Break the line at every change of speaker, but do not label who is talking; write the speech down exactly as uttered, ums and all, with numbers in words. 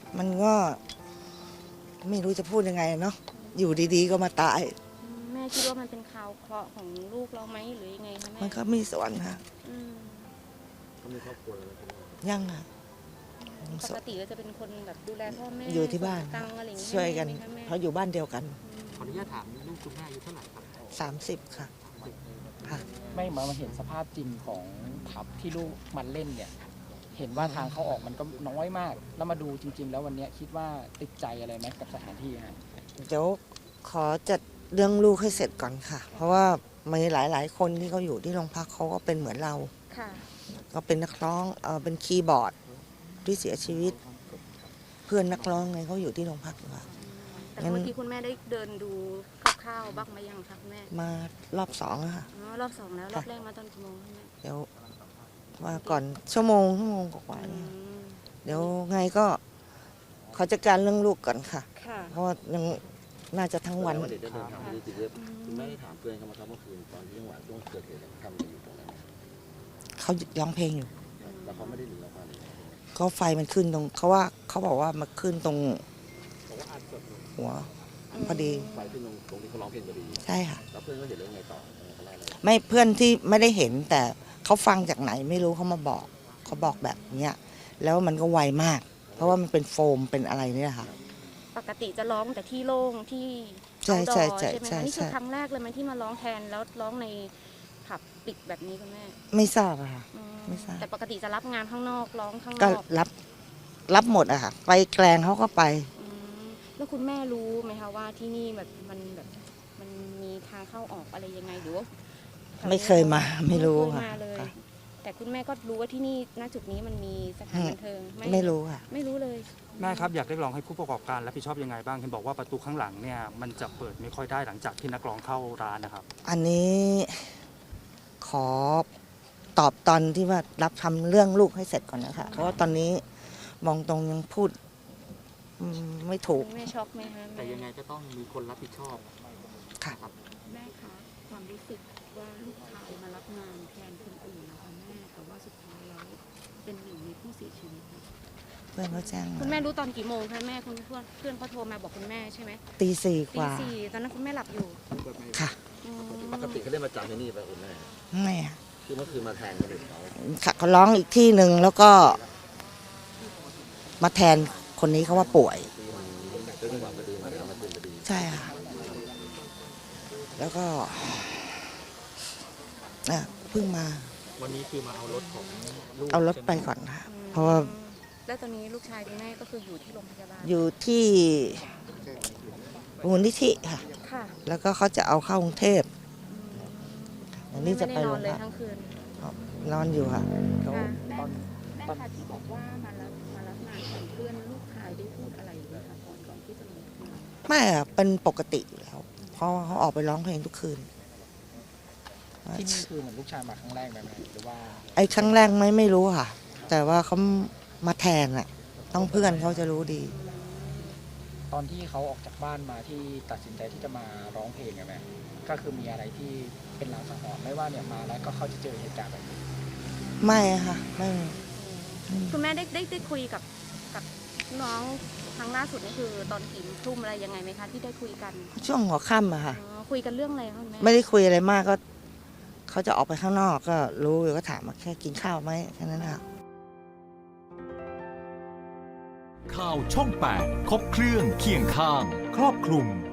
มันก็ไม่รู้จะพูดยังไงเนาะอยู่ดีๆก็มาตาย
แม่คิดว่ามันเป็นข่าวเคราะห์ของลูกเราไหมหรือยังไงคะแม่
มันก็มีส่วนค่ะ
เขามีครอบครัวแล้ว
ยังค่ะ
ปกติก็จะเป็นคนแบบดูแลพ่อแม่
อยู่ที่บ้านช่วยกันเพราะอยู่บ้านเดียวกัน
ขออนุญาตถามลูกคุณแม่อายุเท่าไหร่ครับ
สามสิบค่ะค่ะ
ไม่มามาเห็นสภาพจริงของผับที่ลูกมันเล่นเนี่ยเห็นว่าทางเข้าออกมันก็น้อยมากแล้วมาดูจริงๆแล้ววันนี้คิดว่าติดใจอะไรไหมกับสถานที่ฮะ
เดี๋ยวขอจัดเรื่องลูกให้เสร็จก่อนค่ะเพราะว่ามีหลายๆคนที่เขาอยู่ที่โรงพักเขาก็เป็นเหมือนเราก็เป็นนักร้องเออเป็นคีย์บอร์ดที่เสียชีวิตเพื่อนนักร้องไงเขาอยู่ที่โรงพักค่ะ
แต่เมื่อกี้คุณแม่ได้เดินดูคร่าวๆบ้างไหมยังคะคุณแม่
มารอบสองอะค่ะ
อ๋อรอบสองแล้วรอบแรกมาตอนกี่โมงคะแม่
เดี๋ยวมาก่อนชั่วโมงชั่วโมงกว่าเดี๋ยวไงก็ขอจัดการเรื่องลูกก่อนค่ะเพราะว่ายังน่าจะทั้งวัน
เด็กเดินทางไปที่จิตเวชคุณแม่ได้ถามเพื่อนเขามาครับเมื่อคืนตอนที่จังหวะช่วงเกิดเหตุทำอะไรอยู่ตรงนั้น
เขาร้องเพลงอยู่
แล้วเขาไม่ได้หนีออกมา
เขาไฟมันขึ้นตรงเขาว่าเขาบอกว่ามันขึ้นตรงหัวพอดี
ไฟขึ้นตรงตรงที่เขาร้องเพลงพอดี
ใช่ค่ะ
แล้วเพื่อนก็เห็นเรื่องไงต่อ
ไม่เพื่อนที่ไม่ได้เห็นแต่เขาฟังจากไหนไม่รู้เขามาบอกเขาบอกแบบเนี้ยแล้วมันก็ไวมากเพราะว่ามันเป็นโฟมเป็นอะไรนี่แหละค่ะ
ปกติจะร้องแต่ที่โล่งที่
ใช่ใช่ใช่
ใช่ไหมนี่คือครั้งแรกเลยไหมที่มาร้องแทนแล้วร้องในผับปิดแบบนี้คุณแม่
ไม่ทราบอะค่ะไม่ทราบ
แต่ปกติจะรับงานข้างนอกร้องข้างน
อก
ก็
รับรับหมดอะค่ะไปแกลงเขาก็ไป
แล้วคุณแม่รู้ไหมคะว่าที่นี่แบบมันแบบมันมีทางเข้าออกอะไรยังไงหรือว่า
ไม่เคยมาไม่รู้ค่ะ
แต่คุณแม่ก็รู้ว่าที่นี่ณจุดนี้มันมีสถานบันเทิง
ไม่รู้ค่ะ
ไม่รู้เลย
แม่ครับอยากเรียกร้องให้ผู้ประกอบการรับผิดชอบยังไงบ้างเห็นบอกว่าประตูข้างหลังเนี่ยมันจะเปิดไม่ค่อยได้หลังจากที่นักร้องเข้าร้านนะครับ
อันนี้ขอตอบตอนที่ว่ารับทำเรื่องลูกให้เสร็จก่อนนะคะเพราะว่าตอนนี้มองตรงยังพูดไม่ถูก
แม่ช็อกไหมคะ
แต่ยังไงก็ต้องมีคนรับผิดชอบ
ค่ะ
แม่คะความรู้สึกว่าลูกชายมารับงานแทนคนอื่นนะคะแม่แต่ว่าสุดท้ายแล้วเป็นหนึ่งในผู้เสียชีวิต
เพื่อนเขาแจ้ง
คุณแม่รู้ตอนกี่โมงคะแม่คุณเพื่อนเพื่อนเขาโทรมาบอกคุณแม่ใช่ไหม
ตีสี่กว่า
ตีสี่ตอนนั้นคุณแม่หลับอยู่
ค่ะ
ปกติเขาได้มาจำที่นี่ไปคุณแม่
ไม่
คือเมื่อคืนมาแทนคนอื่นเขา
ค่ะเขาร้องอีกที่หนึ่งแล้วก็มาแทนคนนี้เขาว่าป่วยใช่ค่ะแล้วก็เพิ่งมา
วันนี้คือมาเอารถของ
เอารถไปก่อนค่ะเพราะว่า
แล้วตอนนี้ลูกชายคุณแม่ก็คืออยู่ที่โรงพยาบาล
อยู่ที่มูลนิธิค่ะแล้วก็เขาจะเอาเข้ากรุงเทพอันนี้จะไปโรงพยาบาลนอนอยู่ค่ะ
ตอนแม่ค่ะที่บอกว่ามารับมารับงานของเพื่อนลูกชายได้พูดอะไรไหมคะก่อนก่อนที่จะมา
ไม่อะเป็นปกติอยู่แล้วเพราะเขาออกไปร้องเพลงทุกคืน
ที่นี่คือเหมือนลูกชายมาครั้งแรกไหมหรือว่า
ไอ้ครั้งแรกไม่ไม่รู้ค่ะแต่ว่าเขามาแทนอะต้องเพื่อนเขาจะรู้ดี
ตอนที่เขาออกจากบ้านมาที่ตัดสินใจที่จะมาร้องเพลงไหมก็คือมีอะไรที่เป็นลางสังหรณ์ไม่ว่าเนี่ยมาแล้วก็เขาจะเจอเหตุการณ์แบบนี้
ไม่ค่ะไม่
คุณแม่ได้ได้ได้คุยกับกับน้องครั้งล่าสุดนี่คือตอนกี่ทุ่มอะไรยังไงไหมคะที่ได้คุยกัน
ช่วงหัวค่ำอะค่ะ
คุยกันเรื่องอะไรคะแม่
ไม่ได้คุยอะไรมากก็เขาจะออกไปข้างนอกก็รู้อยู่ก็ถามมาแค่กินข้าวไหมแค่นั้นค่ะ
ข่าวช่องแปดครบเครื่องเคียงข้างครอบคลุม